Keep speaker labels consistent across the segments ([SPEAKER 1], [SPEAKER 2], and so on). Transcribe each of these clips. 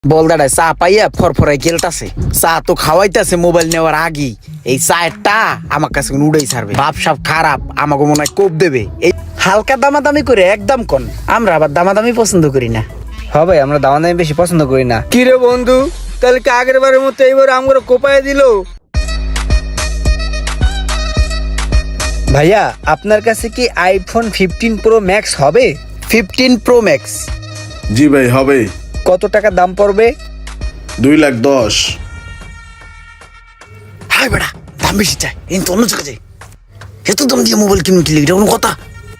[SPEAKER 1] বলদাটায় চা পাইয়া ফরফরাই গেলতাছে। চা তো খাওয়াইতাছে মোবাইল নেওয়ার আগেই। এই চায়েরটা আমার কাছে উড়াই ছাড়বে। বাপ সাপ খারাপ, আমাকে মনে হয় কোপ দেবে। এই হালকা দামাদামি করে একদম কন, আমরা আবার দামাদামি পছন্দ করি না।
[SPEAKER 2] হ্যাঁ ভাই, আমরা দামাদামি বেশি পছন্দ করি না। কি রে বন্ধু, তাহলে কি আগের বারের মতো এইবার আমরা কোপায় দিল? ভাইয়া, আপনার কাছে কি আইফোন 15 প্রো ম্যাক্স হবে?
[SPEAKER 1] 15 প্রো ম্যাক্স?
[SPEAKER 3] জি ভাই হবে।
[SPEAKER 2] কত টাকা দাম পড়বে?
[SPEAKER 3] 2,10,000।
[SPEAKER 1] হাই বেড়া, দাম বেশি চাই, এই তো অন্য জায়গায় যাই। এত দাম দিয়ে মোবাইল কিনুন কি এটা কোনো কথা?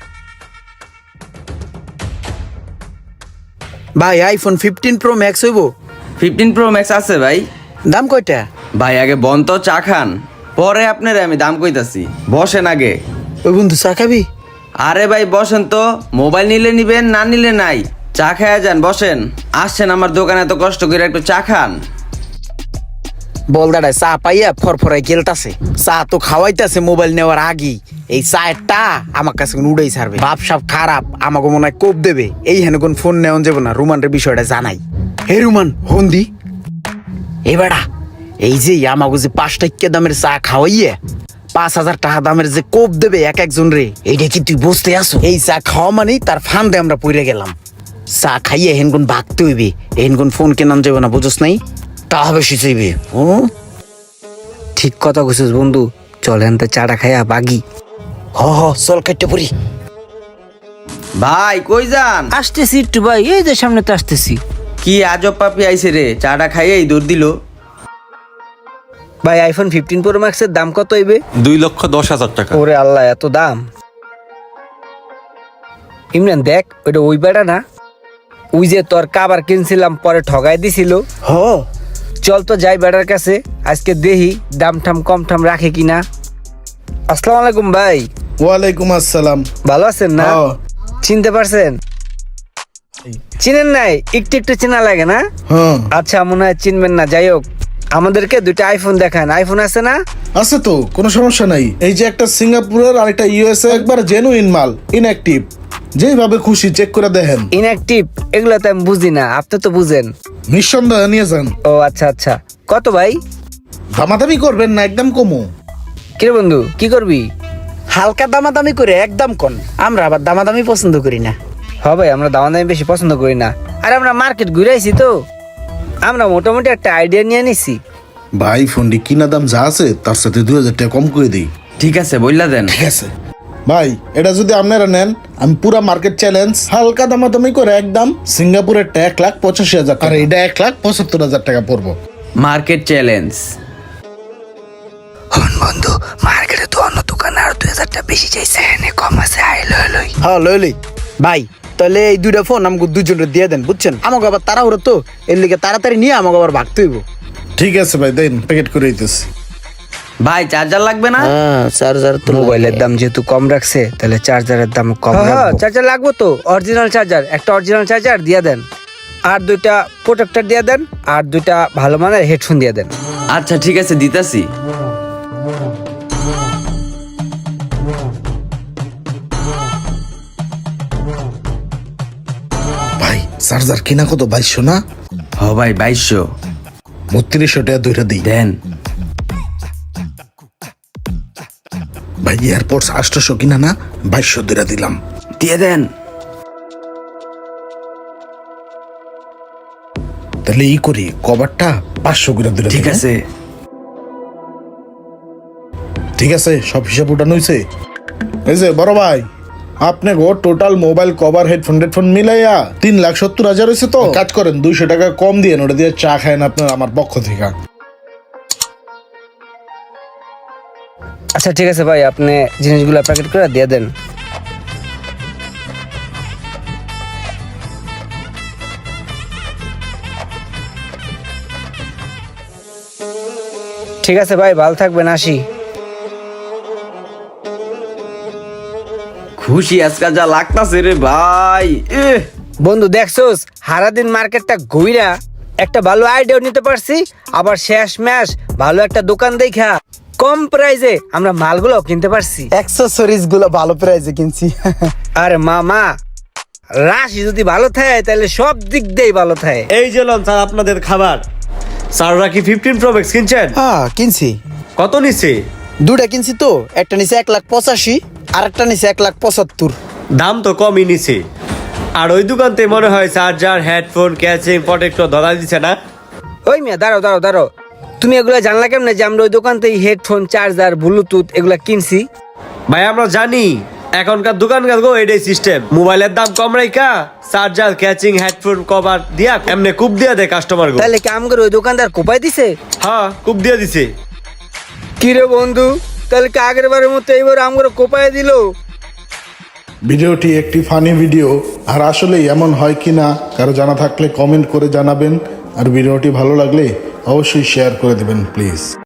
[SPEAKER 1] ভাই আইফোন 15 প্রো ম্যাক্স হইব?
[SPEAKER 4] 15 প্রো ম্যাক্স আছে ভাই।
[SPEAKER 1] দাম কয়টা?
[SPEAKER 4] ভাই আগে বন তো চা খান, পরে আপনারে আমি দাম কইতাছি। বসেন আগে।
[SPEAKER 1] ওই বন্ধু চা খাবি?
[SPEAKER 4] আরে ভাই বসেন তো, মোবাইল নিলে নিবেন, না নিলে নাই। চা খায়া যান, বসেন। আসছেন আমার দোকানে এত কষ্ট করে, একটু চা খান।
[SPEAKER 1] বলদাটায় চা পাইয়া ফরফরাই গেলতাছে। চা তো খাওয়াইতাছে মোবাইল নেওয়ার আগেই। এই চায়েরটা আমার কাছে উড়াই ছাড়বে। বাপ সাপ খারাপ, আমাকে মনে হয় কোপ দেবে। এই হেন কোন ফোন নেওয়া যাবে না, রুমানের বিষয়টা জানাই। হে রুমান, ফোন দি। এ বেড়া, এই যে আমাকে যে 5 টাকা দামের চা খাওয়াইয়া 5,000 টাকা দামের যে কোপ দেবে এক একজন রে, এইটা কি তুই বুঝতে আসো? এই চা খাওয়া মানেই তার ফান্দে আমরা পড়ে গেলাম। চা খাইয়ে হেনগুন ভাগতে হইবে, হেনগুন ফোন কেনান যাবে না, বুঝোস নাই? তা বেশি চাইবে। ও
[SPEAKER 2] ঠিক কথা কইছিস বন্ধু, চলেন তো চাটা খাইয়া বাগি।
[SPEAKER 1] হ হ, চল কাটতে পড়ি।
[SPEAKER 4] ভাই কই যান?
[SPEAKER 2] আসতেছি একটু ভাই, এই যে সামনে তো আসতেছি।
[SPEAKER 4] কি আজব পাপি আইছে রে, চাটা খাইয়েই দূর দিল।
[SPEAKER 2] ভাই আইফোন 15 প্রো ম্যাক্সের দাম কত হইবে?
[SPEAKER 5] 2,10,000 টাকা।
[SPEAKER 2] ওরে আল্লাহ, এত দাম! ইমরান দেখ, ওইটা ওই বেড়া না? ওই যে তোর কাবার কিনছিলাম, পরে ঠগাই দিছিল।
[SPEAKER 1] হ,
[SPEAKER 2] চল তো যাই বেড়ার কাছে, আজকে দেখি দাম ঠাম কম ঠাম রাখে কিনা। আসসালামু আলাইকুম ভাই।
[SPEAKER 3] ওয়ালাইকুম আসসালাম।
[SPEAKER 2] ভালো আছেন না?
[SPEAKER 3] হ্যাঁ।
[SPEAKER 2] চিনতে পারছেন? চিনেন নাই? একটু একটু চেনা লাগে না?
[SPEAKER 3] হ্যাঁ
[SPEAKER 2] আচ্ছা, মনে হয় চিনবেন না। যাই হোক, আমাদেরকে দুইটা আইফোন দেখান। আইফোন আছে না?
[SPEAKER 3] আছে তো, কোনো সমস্যা নাই। এই যে একটা সিঙ্গাপুরের আর একটা ইউএসএ, একবার জেনুইন মাল, ইনঅ্যাক্টিভ। যেভাবে খুশি চেক করে দেখেন।
[SPEAKER 2] ইনঅ্যাক্টিভ এগুলো তো আমি বুঝি না, আপনি তো বুঝেন।
[SPEAKER 3] নিঃসন্দেহে নিয়ে যান।
[SPEAKER 2] ও আচ্ছা আচ্ছা, কত ভাই?
[SPEAKER 3] দামাদামি করবেন না, একদম কমো।
[SPEAKER 2] কিরে বন্ধু, কি করবি?
[SPEAKER 1] হালকা দামাদামি করে একদম কন, আমরা আবার দামাদামি পছন্দ করি না।
[SPEAKER 2] হ্যাঁ ভাই, আমরা দামাদামি বেশি পছন্দ করি না। আর আমরা মার্কেট ঘুরে আইছি তো, আমরা মোটামুটি একটা আইডিয়া নিয়ে নিছি।
[SPEAKER 3] ভাই ফোনটি কিনা দাম যা আছে তার সাথে 2,000 টাকা কম করে দিই।
[SPEAKER 4] ঠিক আছে, বললা দেন।
[SPEAKER 3] ঠিক আছে ভাই, এটা যদি আপনারা নেন, আমি পুরা মার্কেট চ্যালেঞ্জ হালকা দামাদামি করে একদম সিঙ্গাপুরের 1,85,000 আর এটা 1,75,000 টাকা পড়বো।
[SPEAKER 4] Market challenge.
[SPEAKER 2] হন বন্ধু, মার্কেটে তো অন্য দোকানে আর 2,000 টাকা বেশি চাইছে, এনে কম আছে, আই লই লই।
[SPEAKER 1] হ্যাঁ লইলি ভাই, তাহলে এই দুইটা ফোন আমাকে দুজনের দিয়ে দেন, বুঝছেন? আমাকে আবার তাড়াহুড়ো তো, এর লিগে তাড়াতাড়ি নিয়ে আমাকে আবার ভাগতে হইব।
[SPEAKER 3] ঠিক আছে ভাই, দেন প্যাকেট করে দিতেছি।
[SPEAKER 4] ভাই চার্জার লাগবে না?
[SPEAKER 1] হ্যাঁ, চার্জার তো
[SPEAKER 2] মোবাইলের দাম যেহেতু কম রাখছে, তাহলে চার্জারের দাম কম রাখবো। চার্জার লাগবে তো, অরিজিনাল চার্জার, একটা অরিজিনাল চার্জার দিয়ে দেন। আর দুইটা প্রোটেক্টর দিয়ে দেন, আর দুইটা ভালো মানের হেডফোন দিয়ে দেন।
[SPEAKER 4] আচ্ছা ঠিক আছে, দিতাছি।
[SPEAKER 3] ভাই চার্জার কিনা কত? 2,200 না?
[SPEAKER 4] হ ভাই 2,200।
[SPEAKER 3] 3200 টাকা দুইটা দিই।
[SPEAKER 4] দেন।
[SPEAKER 3] ভাই এয়ারপোর্টস 800 কিনা না? 2,200 দুইটা দিলাম।
[SPEAKER 4] দিয়ে দেন।
[SPEAKER 3] তাহলে ই করি, কভারটা 500 করে দুইটা
[SPEAKER 4] ঠিক
[SPEAKER 3] দিই।
[SPEAKER 4] আছে।
[SPEAKER 3] ঠিক আছে, সব হিসাব উঠানো হয়েছে। এই যে বড় ভাই, আপনি গো টোটাল মোবাইল কভার হেডফোন মিলাইয়া 3,70,000 হয়েছে। তো কাজ করেন, 200 টাকা কম দিয়ে ওটা দিয়ে চা খায়েন আপনার আমার পক্ষ থেকে।
[SPEAKER 2] আচ্ছা ঠিক আছে ভাই, আপনি জিনিসগুলো প্যাকেট করে দিয়ে দেন। ঠিক আছে ভাই, ভালো থাকবেন, আসি।
[SPEAKER 4] খুশি আজকাল যা লাগতাছে রে ভাই।
[SPEAKER 2] বন্ধু দেখছোস, সারাদিন মার্কেটটা ঘুইরা একটা ভালো আইডিয়া নিতে পারছি, আবার শেষ ম্যাশ ভালো একটা দোকান দেখা কম প্রাইজে আমরা মালগুলো কিনতে পারছি।
[SPEAKER 1] অ্যাক্সেসরিজ গুলো ভালো প্রাইসে কিনছি।
[SPEAKER 2] আরে মামা, রাশি যদি ভালো থাকে তাহলে সব দিক দিয়েই ভালো থাকে।
[SPEAKER 5] এই যে লন স্যার আপনাদের খাবার। স্যাররা কি 15 প্রো ম্যাক্স কিনছেন?
[SPEAKER 1] হ্যাঁ কিনছি,
[SPEAKER 5] কত নিচ্ছে?
[SPEAKER 1] দুটা কিনছি তো, একটা নিচে 1,85,000 আর একটা নিচে 1,75,000।
[SPEAKER 5] দাম তো কমই নিছে। আর ওই দোকানতে মনে হয় চার্জার, হেডফোন, ক্যাচিং, প্রোটেক্টর ধরা দিচ্ছে না?
[SPEAKER 2] ওই মিয়া দাঁড়াও, তুমি এগুলা জানলা কেমনে যে আমরা ওই দোকান থেকে হেডফোন, চার্জার, ব্লুটুথ এগুলা কিনছি?
[SPEAKER 5] ভাই আমরা জানি এখনকার দোকানকার গো এটাই সিস্টেম, মোবাইলের দাম কম রাইকা চার্জার, ক্যাচিং, হেডফোন কভার দিয়া এমনি কুপ দিয়া দেয় কাস্টমার গো।
[SPEAKER 2] তাহলে কি আমগর ওই দোকানদার কোপাই দিছে?
[SPEAKER 5] হ্যাঁ কুপ দিয়া দিছে।
[SPEAKER 2] কিরে বন্ধু, তাহলে কি আগের বারের মতো এইবার আমগর কোপাই দিল?
[SPEAKER 3] ভিডিওটি একটি ফানি ভিডিও, আর আসলে এমন হয় কি না কারো জানা থাকলে কমেন্ট করে জানাবেন, আর ভিডিওটি ভালো লাগলে অবশ্যই শেয়ার করে দেবেন প্লিজ।